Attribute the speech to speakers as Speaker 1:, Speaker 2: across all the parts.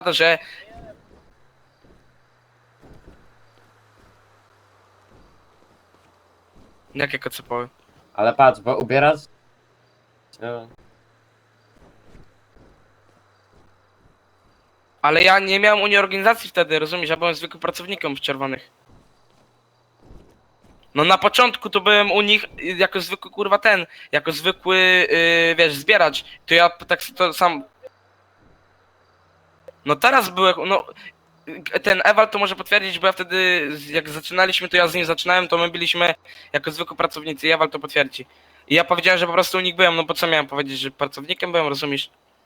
Speaker 1: że... Jakie kocopoły?
Speaker 2: Ale patrz, bo ubierasz... No,
Speaker 1: Ale ja nie miałem Unii Organizacji wtedy, rozumiesz? Ja byłem zwykłym pracownikiem w Czerwonych. No na początku to byłem u nich jako zwykły kurwa jako zwykły, wiesz, zbieracz. To ja tak to sam... No teraz byłem, no... Ten Ewald to może potwierdzić, bo ja wtedy, jak zaczynaliśmy, to ja z nim zaczynałem, to my byliśmy jako zwykły pracownicy i Ewald to potwierdzi. I ja powiedziałem, że po prostu u nich byłem, no bo co miałem powiedzieć, że pracownikiem byłem, rozumiesz?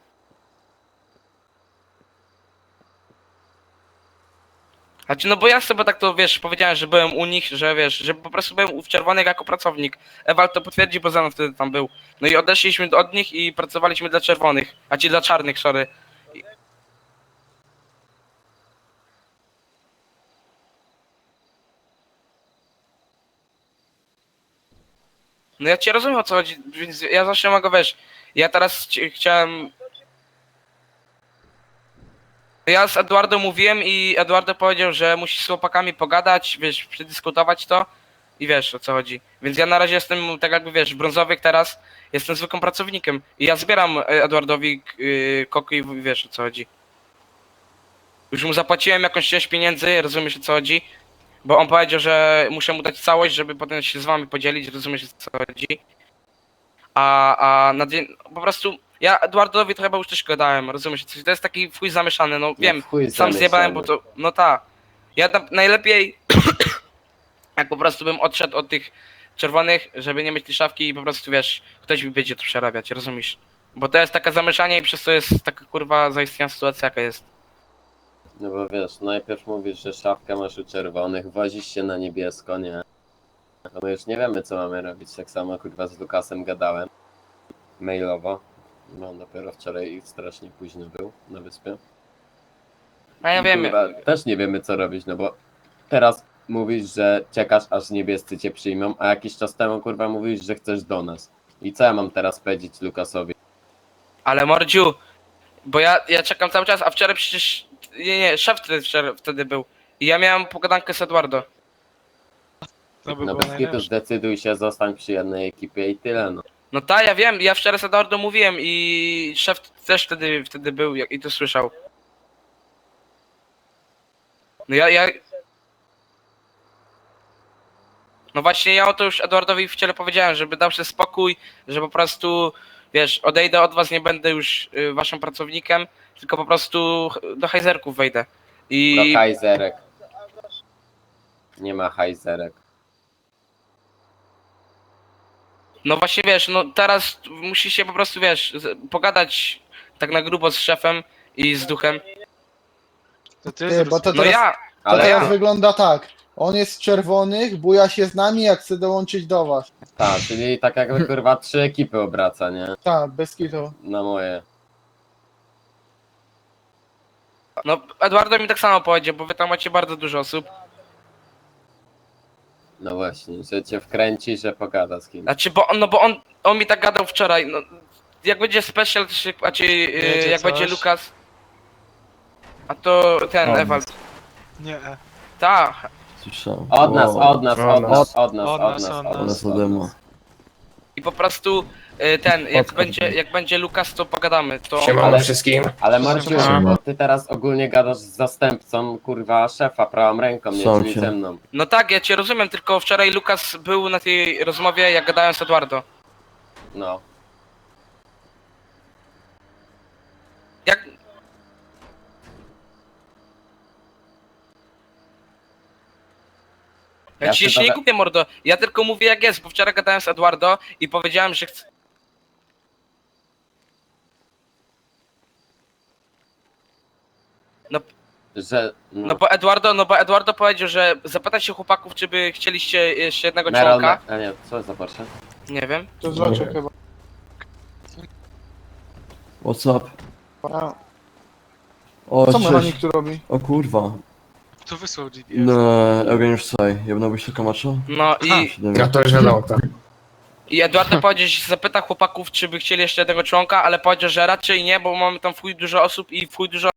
Speaker 1: Znaczy, no bo ja sobie tak to, wiesz, powiedziałem, że byłem u nich, że wiesz, że po prostu byłem w Czerwonych jako pracownik. Ewald to potwierdzi, bo ze mną wtedy tam był. No i odeszliśmy od nich i pracowaliśmy dla Czerwonych, a ci dla Czarnych, sorry. No ja cię rozumiem, o co chodzi, więc ja zawsze mogę, wiesz, ja teraz chciałem... Ja z Eduardo mówiłem i Eduardo powiedział, że musi z chłopakami pogadać, wiesz, przedyskutować to i wiesz, o co chodzi. Więc ja na razie jestem, tak jakby, wiesz, brązowy teraz, jestem zwykłym pracownikiem i ja zbieram Eduardowi koki i wiesz, o co chodzi. Już mu zapłaciłem jakąś część pieniędzy, rozumiesz, o co chodzi? Bo on powiedział, że muszę mu dać całość, żeby potem się z wami podzielić, rozumiesz, o co chodzi? A na dzień, po prostu ja Eduardowi to chyba już też gadałem, rozumiesz, to jest taki chuj zamieszany, no wiem,
Speaker 2: w chuj
Speaker 1: sam zjebałem, bo
Speaker 2: zamieszany.
Speaker 1: to, no ta. Ja tam najlepiej, jak po prostu bym odszedł od tych czerwonych, żeby nie mieć tej szafki i po prostu, wiesz, ktoś mi będzie to przerabiać, rozumiesz? Bo to jest takie zamieszanie i przez to jest taka kurwa zaistniała sytuacja, jaka jest.
Speaker 2: No bo wiesz, najpierw mówisz, że szafkę masz u czerwonych, wozisz się na niebiesko, nie? No my już nie wiemy, co mamy robić. Tak samo kurwa z Lukasem gadałem. Mailowo. No on dopiero wczoraj strasznie późno był na wyspie.
Speaker 1: A ja
Speaker 2: I,
Speaker 1: wiem,
Speaker 2: kurwa, też nie wiemy, co robić, no bo teraz mówisz, że czekasz, aż niebiescy cię przyjmą, a jakiś czas temu kurwa mówisz, że chcesz do nas. I co ja mam teraz powiedzieć Lukasowi?
Speaker 1: ale mordziu, bo ja czekam cały czas, a wczoraj przecież, nie, szef wtedy był. I ja miałem pogadankę z Eduardo.
Speaker 3: To by
Speaker 2: No
Speaker 3: było
Speaker 2: bez kitu
Speaker 3: najlepsze.
Speaker 2: zdecyduj się, zostań przy jednej ekipie i tyle, no.
Speaker 1: No tak, ja wiem, ja wczoraj z Eduardo mówiłem i szef też wtedy był i to słyszał. No ja... No właśnie ja o to już Eduardowi wczoraj powiedziałem, żeby dał sobie spokój, że po prostu, wiesz, odejdę od was, nie będę już waszym pracownikiem, tylko po prostu do hajzerków wejdę. I...
Speaker 2: Do hajzerek. Nie ma hajzerek.
Speaker 1: No właśnie wiesz, no teraz musi się po prostu, wiesz, pogadać tak na grubo z szefem i z duchem.
Speaker 3: To ty
Speaker 4: Ty, bo to
Speaker 1: No
Speaker 4: teraz,
Speaker 1: ja...
Speaker 4: to
Speaker 2: Ale
Speaker 4: teraz
Speaker 2: ja...
Speaker 4: wygląda tak. On jest z czerwonych, buja się z nami, jak chce dołączyć do was.
Speaker 2: Tak, czyli tak jakby kurwa 3 ekipy obraca, nie?
Speaker 4: Tak, bez kitu.
Speaker 2: Na moje.
Speaker 1: No Eduardo mi tak samo powiedział, bo wy tam macie bardzo dużo osób.
Speaker 2: No właśnie, że cię wkręci, że pogada z kimś.
Speaker 1: Znaczy, bo on mi tak gadał wczoraj, no... Jak będzie special, to się,
Speaker 3: Jedzie
Speaker 1: jak
Speaker 3: coś?
Speaker 1: będzie Lukas... A to ten,
Speaker 5: On.
Speaker 1: Ewald.
Speaker 3: Nie.
Speaker 1: Tak.
Speaker 5: Słyszałem.
Speaker 2: Od nas,
Speaker 5: O,
Speaker 2: od nas, od nas, od nas,
Speaker 3: Od
Speaker 2: od
Speaker 3: nas,
Speaker 2: nas,
Speaker 3: od
Speaker 2: od
Speaker 5: Od
Speaker 2: nas.
Speaker 5: nas ode mnie.
Speaker 1: I po prostu ten,
Speaker 5: Podcast.
Speaker 1: jak będzie Lukas, to pogadamy. To...
Speaker 6: Siemano
Speaker 2: Ale-
Speaker 6: wszystkim.
Speaker 2: Ale Marciu,
Speaker 5: Siema.
Speaker 2: bo ty teraz ogólnie gadasz z zastępcą, kurwa, szefa, prawą ręką, nie,
Speaker 5: Są
Speaker 2: czyli
Speaker 5: cię.
Speaker 2: ze mną.
Speaker 1: No tak, ja cię rozumiem, tylko wczoraj Lukas był na tej rozmowie, jak gadałem z Eduardo.
Speaker 2: No.
Speaker 1: Jak... Ja
Speaker 2: Ja
Speaker 1: ci się
Speaker 2: chyba
Speaker 1: nie
Speaker 2: we-
Speaker 1: kupię, mordo. Ja tylko mówię jak jest, bo wczoraj gadałem z Eduardo i powiedziałem, że chcę... No,
Speaker 2: Że,
Speaker 1: no bo Eduardo powiedział, że zapytać się chłopaków, czy by chcieliście jeszcze jednego
Speaker 2: Meral,
Speaker 1: członka.
Speaker 2: a nie, co za Porsche?
Speaker 1: Nie wiem.
Speaker 4: To zobaczę chyba.
Speaker 5: What's up?
Speaker 4: A,
Speaker 5: O,
Speaker 4: co
Speaker 5: cześć.
Speaker 4: mechanik tu robi?
Speaker 5: O kurwa.
Speaker 3: Tu wysłał GPS.
Speaker 5: No, Eugeniusz Saj, jebnąłbyś taka macza?
Speaker 1: No
Speaker 3: Aha.
Speaker 6: Gratuluję na auta.
Speaker 1: i Eduardo powiedział, że się zapyta chłopaków, czy by chcieli jeszcze jednego członka, ale powiedział, że raczej nie, bo mamy tam w chuj dużo osób i w chuj dużo